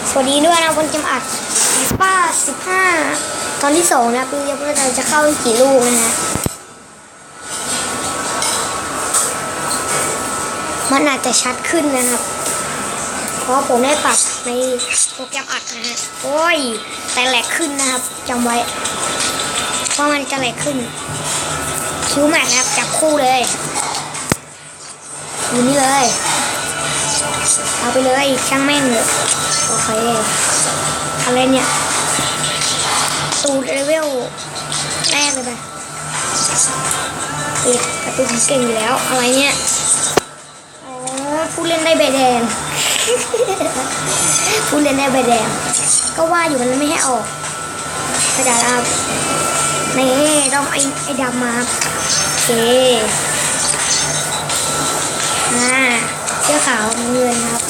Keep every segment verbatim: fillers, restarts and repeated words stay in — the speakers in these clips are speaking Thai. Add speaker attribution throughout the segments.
Speaker 1: สวัสดีด้วยนะคนจำอัดป้าสิบห้าตอนที่สองนะปีนี้เราจะเข้ากี่ลูกนะฮะมันอาจจะชัดขึ้นนะครับเพราะผมได้ปรับในโปรแกรมอัดนะฮะโอ้ยแต่แหลกขึ้นนะครับจำไว้เพราะมันจะแหลกขึ้นคิวแม็กนะครับจับคู่เลยอยู่นี่เลยเอาไปเลยช่างแม่งเลยโอเคอะไรเนี่ยตูดเลเวลแรกเลยไปติดกระตุ้นเก่งอยู่แล้วอะไรเนี่ยอ๋อผู้เล่นได้ใบแดง ผู้เล่นได้ใบแดงก็ว่าอยู่มันไม่ให้ออกกระดาษครับนี่ต้องไอ้ไอ้ดำมาโอเคอ่าเสื้อขาวเงินครับ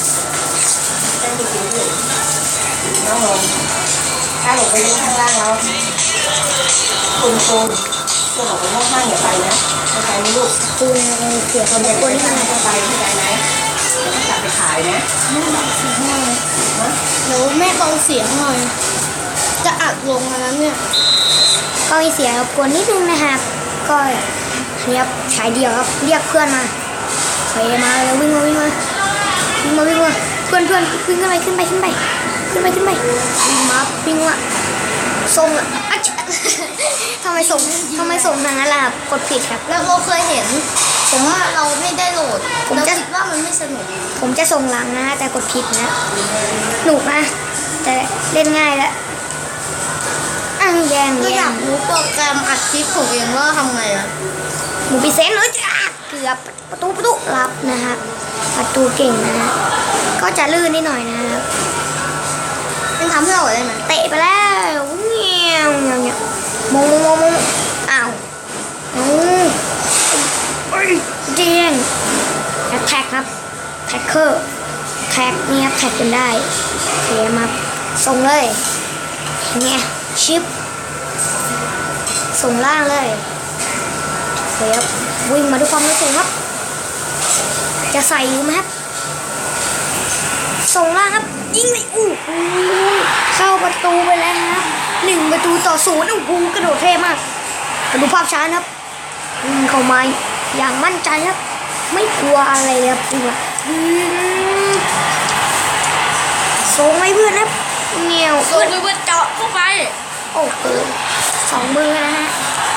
Speaker 2: น้องลงถ้าลงไปเล่นข้างล่างแล้วคุณโกนตัวหนูไปห้องห้างอย่าไปนะเข้าใจไหมลูก
Speaker 1: ตูนเสียคนคนที่มัน
Speaker 2: เข้าใจเข้าใจไหมต้องจับไปขายนะ
Speaker 3: แม่บอกเสียงหน่อยเดี๋ยวแม่เบาเสียงหน่อยจะอัดลงแล้วเนี่ย
Speaker 1: ก็มีเสียงรบกวนนิดนึงนะครับก็เรียบฉายเดียวครับเรียกเพื่อนมาไปมาแล้ววิ่งมาวิ่งมาวิ่งมาวิ่งมาเพื่อนเพื่อนขึ้นขึ้นไปขึ้นไปขึ้นไปขึ้นไปขึ้นไปวิ่งมาวิ่งมาส่งอ่ะทำไมส่งทำไมส่งทางนั้นล่ะครับกดผิดครับ
Speaker 3: แล้วเราเคยเห็นแต่ว่าเราไม่ได้โหลดผมจะคิดว่ามันไม่สนุก
Speaker 1: ผมจะส่งหลังนะแต่กดผิดนะหนุกนะแต่เล่นง่ายแล้วอ้างแย่ง
Speaker 3: ก็อยากรู้โปรแกรมอัดคลิปของเองว่าทำไงอะ
Speaker 1: หมูปีเซนเลยจ้าเกือบประตูประตูรับนะฮะประตูเก่งนะฮะก็จะลื่นนิดหน่อยนะครับ
Speaker 3: ยังทำให้เราได้ไหม
Speaker 1: เตะไปแล้วเงี้ยวเงี้ยวเงี้ยวมงมงมงมงอ้าวอือเจียงแท็กครับแท็กเกอร์แท็กนี่ครับแท็กจนได้เทมาส่งเลยเนี่ยชิปส่งล่างเลยเทปวิ่งมาด้วยความรู้สึกครับจะใส่อยู่ไหมครับส่งล่างครับยิงเลยอู้เข้าประตูไปแล้วครับหนึ่งประตูต่อศูนย์อู้หูกระโดดเท่มากมาดูภาพช้าครับวิ่งเข้ามาอย่างมั่นใจครับไม่กลัวอะไรเลยครับตัวส่งให้เพื่อนครับเงี้ยว
Speaker 3: ส่งให้เพื่อนเจาะเข้าไป
Speaker 1: โอ้โหสองมือนะฮะ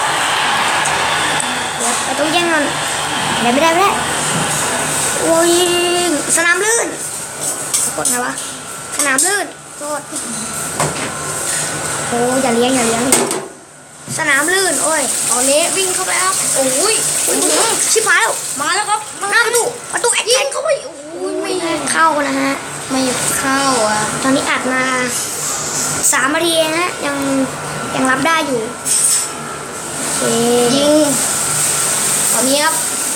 Speaker 1: เดี๋ยวเราต้องแย่งกันไม่ได้ไม่ได้โอ้ยสนามลื่นกดไงวะสนามลื่นกดโอ้อย่าเลี้ยงอย่าเลี้ยงสนามลื่นโอ้ย
Speaker 3: ตอนนี้วิ่งเข้าไปครับโอ้ย
Speaker 1: ชิบหายแล้ว
Speaker 3: มาแล้วครับ
Speaker 1: หน้าประตูประตูแอ็ก
Speaker 3: ยิงเข้าไปโอ้ยไม่
Speaker 1: เข้านะฮะ
Speaker 3: ไม่เข้าอ่ะ
Speaker 1: ตอนนี้อัดมาสามนาทีนะฮะยังยังรับได้อยู่
Speaker 3: ยิงตอนนี้ครับ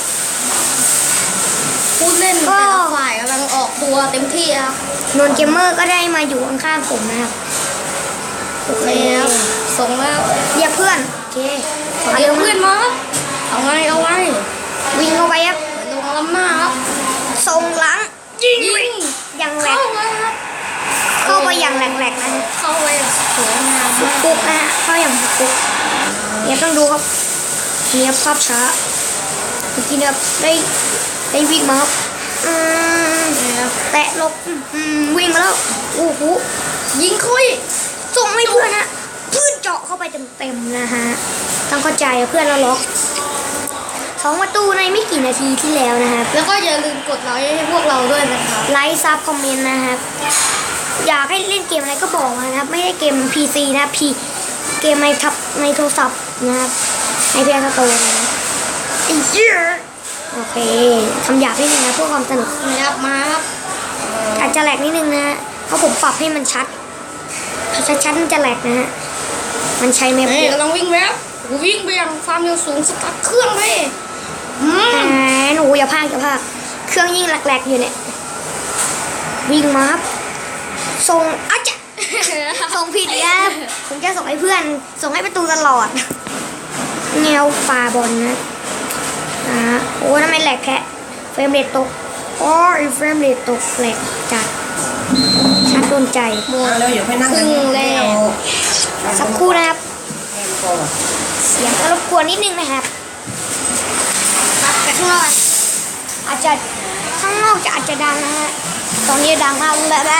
Speaker 3: ผู้เล่นแต่ละฝ่ายกำลังออกตัวเต็มที่ครับ
Speaker 1: นนเกมเมอร์ก็ได้มาอยู่ข้างๆผมนะครับ
Speaker 3: โอเคครับส่งแล้ว
Speaker 1: เรียกเพื่อนโอเค
Speaker 3: เรียกเพื่อนมาครับเอาไงเอาไง
Speaker 1: วิ่งเข้าไปครับ
Speaker 3: ลงล้ำหน้าครับ
Speaker 1: ส่งหลังยิงอย่างแหลก
Speaker 3: เข้าไปครับ
Speaker 1: เข้าไปอย่างแหลกๆนะ
Speaker 3: เข้าไปสวยงาม
Speaker 1: ปุ๊บนะฮะเข้าอย่างปุ๊บเนี่ยต้องดูครับเนี่ยภาพช้าเมื่อกี้เนี่ยได้ได้วิ่งมาครับอืมแตะลบอืมวิ่งมาแล้วโอ้โห
Speaker 3: ยิงคุย
Speaker 1: ส่งให้เพื่อนนะเพื่อนเจาะเข้าไปเต็มๆนะฮะต้องเข้าใจเพื่อนเราล็อกสองประตูในไม่กี่นาทีที่แล้วนะครับ
Speaker 3: แล้วก็อย่าลืมกดไลค์ให้พวกเราด้วยนะคะ
Speaker 1: ไลค์ซับคอมเมนต์นะครับอยากให้เล่นเกมอะไรก็บอกมานะครับไม่ได้เกม พี ซี นะพีเกมในทับในโทรศัพท์นะครับในเพลย์สโตร์นะอีเจี๊ยโอเคคำหยาบนิดนึงนะเพื่อความสนุก
Speaker 3: นะครับมาครับ
Speaker 1: อาจจะแหลกนิดนึงนะฮะเพราะผมปรับให้มันชัดชัดๆมันจะแหลกนะฮะมันใช้แมป
Speaker 3: กำลังวิ่งแล้ววิ่งไปยังความเร็วสูงสตาร์ทเครื่องเลย
Speaker 1: อืมหนูอย่าพากอย่าพากเครื่องยิ่งแหลกๆอยู่เนี่ยวิ่งมาครับส่งอาจจะส่งผิดแล้วผมจะส่งให้เพื่อนส่งให้ประตูตลอดแนวปาบอลนะอ่าโอ้ทำไมแหลกแค่เฟรมเรทตกโอ้ยเฟรมเรทตกแหลกจัดชัดดูนใจ
Speaker 2: มาเร็วเดี๋ยวไปนั่ง
Speaker 3: ครึ่งแรก
Speaker 1: สักครู่นะครับ
Speaker 2: แอมก่อน
Speaker 1: เสียงก็รบกวนนิดนึงนะครับครับแต่ข้างนอกอาจจะข้างนอกจะอาจจะดังนะฮะตอนนี้ดังมากแบบแบบ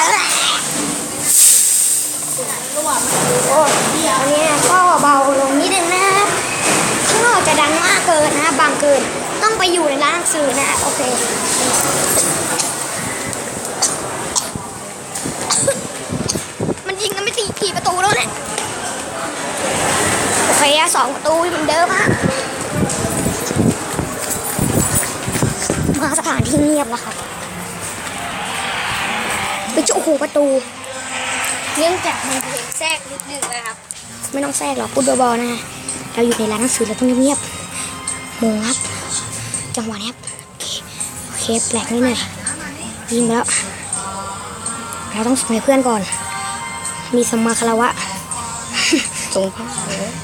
Speaker 1: โอ้ตอนนี้ก็เบาลงนิดนึงนะครับข้างนอกจะดังมากเกินนะบางเกินต้องไปอยู่ในร้านหนังสือนะโอเคมันยิงกันไม่ตีกี่ประตูแล้วเนี่ยโอเคอะสองประตูเหมือนเดิมฮะมาสถานที่เงียบแล้วครับไปเจาะหูประตู
Speaker 3: เนื่องจากมีเพลงแทรกนิดนึงนะครับ
Speaker 1: ไม่ต้องแทรกหรอกพูดเบาๆนะเราอยู่ในร้านหนังสือเราต้องเงียบๆโมงครับจังหวะนี้ครับโอเคโอเคแปลกนิดหน่อยยิงไปแล้วเราต้องส่งให้เพื่อนก่อนมีสมมาคารวะ
Speaker 3: ส่งผ้า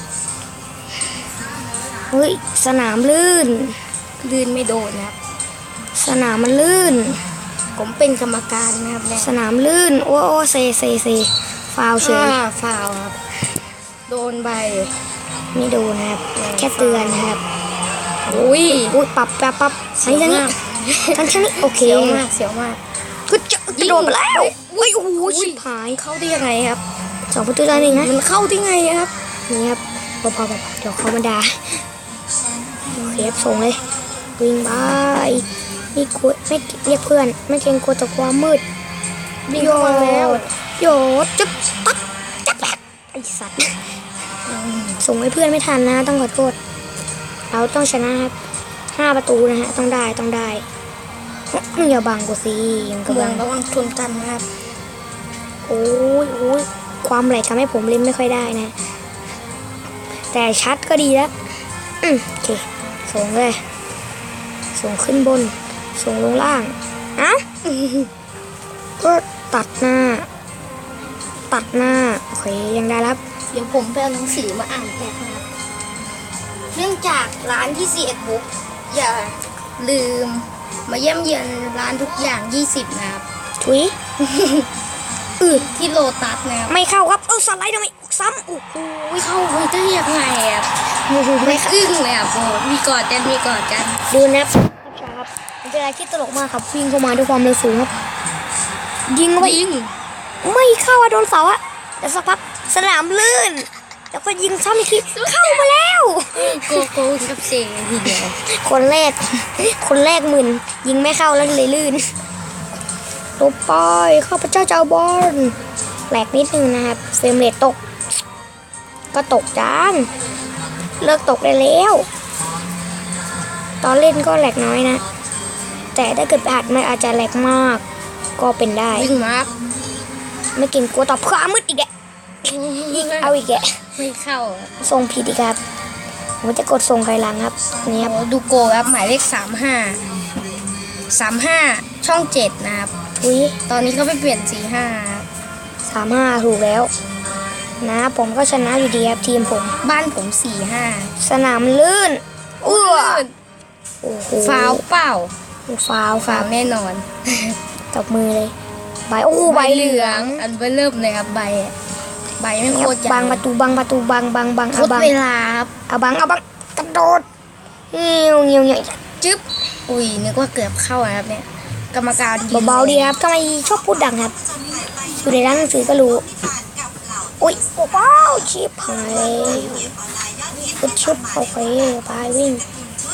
Speaker 1: เฮ้ยสนามลื่น
Speaker 3: ลื่นไม่โดนนะครับ
Speaker 1: สนามมันลื่น
Speaker 3: ผมเป็นกรรมการนะครับเนี่ย
Speaker 1: สนามลื่นโอ้โอ้เซเซเซฟาวเฉย
Speaker 3: อ่าฟาวครับโดนใบ
Speaker 1: ไม่โดนนะครับแค่เตือนนะครับ
Speaker 3: อุ้ย
Speaker 1: อุ้ยปรับปรับปรับอันนี้นี้ทั้งนี้โอเค
Speaker 3: เสียวมากเสียวมาก
Speaker 1: ก็จะกระโดดไปแล้วอุ้ยโอ้โหชิบหาย
Speaker 3: เข้าได้ยังไงครับ
Speaker 1: สองประตูต่อหนึ่งนะ
Speaker 3: มันเข้าได้ไงครับ
Speaker 1: นี่ครับพอพอพอเดี๋ยวเขามาด่าโอเคครับส่งเลยวิ่งไปนี่กลัวไม่เรียกเพื่อนไม่เกรงกลัวต่อความมืด
Speaker 3: วิ่งเข้ามาแล้ว
Speaker 1: โยดจุ๊บปั๊บจับแบบไอสัตว์ส่งให้เพื่อนไม่ทันนะต้องขอโทษเราต้องชนะครับห้าประตูนะฮะต้องได้ต้องได้อย่าบังกูสิยังกำ
Speaker 3: เมื
Speaker 1: ลั
Speaker 3: อง
Speaker 1: ง
Speaker 3: ระวังชนกันนะครับ
Speaker 1: โอ้ยโอ้ยความไหลทำให้ผมเล่นไม่ค่อยได้นะ แต่ชัดก็ดีแล้วอืมโอเคส่งเลยส่งขึ้นบนส่งลงล่างเอ้าก็ตัดหน้า ตัดหน้าโอเคยังได้แล้ว
Speaker 3: เดี๋ยวผมไปเอาหนังสือมาอ่านแทนนะครับ เนื่องจากร้านที่สี่เอ็ดบุ๊กอย่าลืมมาเยี่ยมเยียนร้านทุกอย่างยี่สิบนะครับ
Speaker 1: ถุยอือ
Speaker 3: ที่โลตัสนะครับ
Speaker 1: ไม่เข้าครับเอาสไลด์ทำไมซ้ำโอ้โห
Speaker 3: เข้าไปได้ยังไงครับ
Speaker 1: ไม่
Speaker 3: ไม่
Speaker 1: เข้า
Speaker 3: อึ้งเลยอ่ะโอ้มีกอดกันมีกอดกัน
Speaker 1: ดูนะครับครับมันเป็นอะไรที่ตลกมากครับวิ่งเข้ามาด้วยความเร็วสูงครับยิงเข้าไป
Speaker 3: ยิง
Speaker 1: ไม่เข้าอะโดนเสาอะแต่สักพักสนามลื่น แล้วก็ยิงซ้ำอีกทีเข้ามาแล้ว
Speaker 3: โกโก้กับเซทีเดียว
Speaker 1: คนแรก คนแรกหมื่นยิงไม่เข้าแล้วเลยลื่นลบไปข้าพเจ้าเจ้าบอลแหลกนิดนึงนะครับเฟรมเรทตก ก็ตกจานเลิกตกได้แล้ว ตอนเล่นก็แหลกน้อยนะ แต่ถ้าเกิดไปอัดมันอาจจะแหลกมากก็เป็นได้
Speaker 3: วิ่งมาครับ
Speaker 1: ไม่เกินกลัวตอบความมืดอีกแกยิงเอาอีกแก
Speaker 3: ไม่เข้าอะ
Speaker 1: ส่งผิดอีกครับผมจะกดส่งใครหลังครับนี่ครับ
Speaker 3: โอ้ดูโกครับหมายเลขสามห้าสามห้าช่องเจ็ดนะครับ
Speaker 1: อุ้ย
Speaker 3: ตอนนี้เขาไปเปลี่ยนสี่ห้า
Speaker 1: สามห้าถูกแล้ว นะผมก็ชนะอยู่ดีครับทีมผม
Speaker 3: บ้านผมสี่ห้า
Speaker 1: สนามลื่นเอื้อโอ้โห
Speaker 3: ฟาวเปล่า
Speaker 1: ฟาวค
Speaker 3: ฟา
Speaker 1: รั
Speaker 3: ว
Speaker 1: บ
Speaker 3: แน่นอน
Speaker 1: ตบมือเลยใบโอ้โหใบเหลือง
Speaker 3: อันเบอร์เริ่มเลยครับใบอะใบไม่โคตรใหญ่
Speaker 1: บังประตูบังประตูบังบังบัง
Speaker 3: โค
Speaker 1: เอา
Speaker 3: ตร
Speaker 1: บัง
Speaker 3: เวลาครับ
Speaker 1: เอาบังเอาบังกระโดดเงี้ยวเงี้ยวเงี้ยว
Speaker 3: จึ๊บอุ้ยนึกว่าเกือบเข้านะครับเนี่ยกรรมการยิง
Speaker 1: เบาๆดีครับทำไมชอบพูดดังครับอยู่ในร้านหนังสือก็รู้อุ้ยโอ้โหชิบหายเลยพุดชุบโอเคไปวิ่ง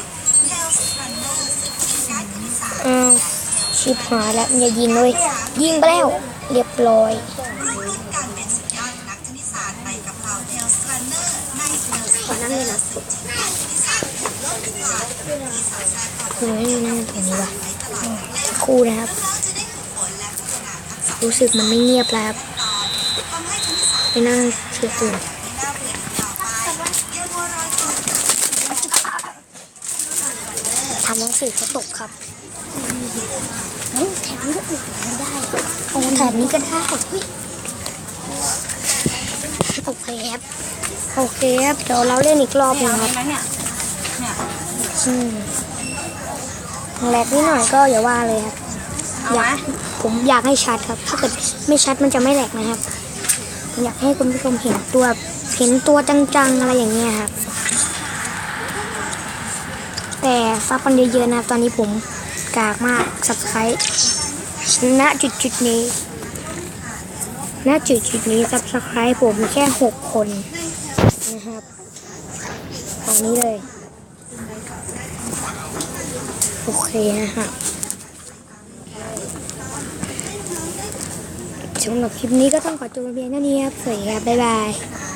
Speaker 1: อ้าวชิบหายแล้วมันจะยิงเลยยิงไปแล้วเรียบร้อยขอนั่งเลยนะคือไม่นั่งตรงนี้ว่ะครู่นะครับ รู้สึกมันไม่เงียบแล้วครับไปนั่งเชื่อตื่นทำหนังสือเขาตกครับแถบนี้ก็อุดไม่ได้โอ้แถบนี้ก็ได้โอเคครับโอเคครับเดี๋ยวเราเล่นอีกรอบหนึงครับอืมแรกนิดหน่อยก็อย่าว่าเลยครับอยากผมอยากให้ชัดครับ ถ้าเกิดไม่ชัดมันจะไม่แหลกนะครับผมอยากให้คุณผู้ชมเห็นตัวเห็นตัวจังๆอะไรอย่างเงี้ยครับแต่ซับกันเยอะๆนะตอนนี้ผมกากมาก Subscribe ณจุดจุดนี้ณจุดจุดนี้ Subscribe ผมแค่หกคนนะครับตอนนี้เลยโอเคนะฮะสำหรับคลิปนี้ก็ต้องขอตัวเพียงเท่านี้ครับสวัสดีครับบ๊ายบาย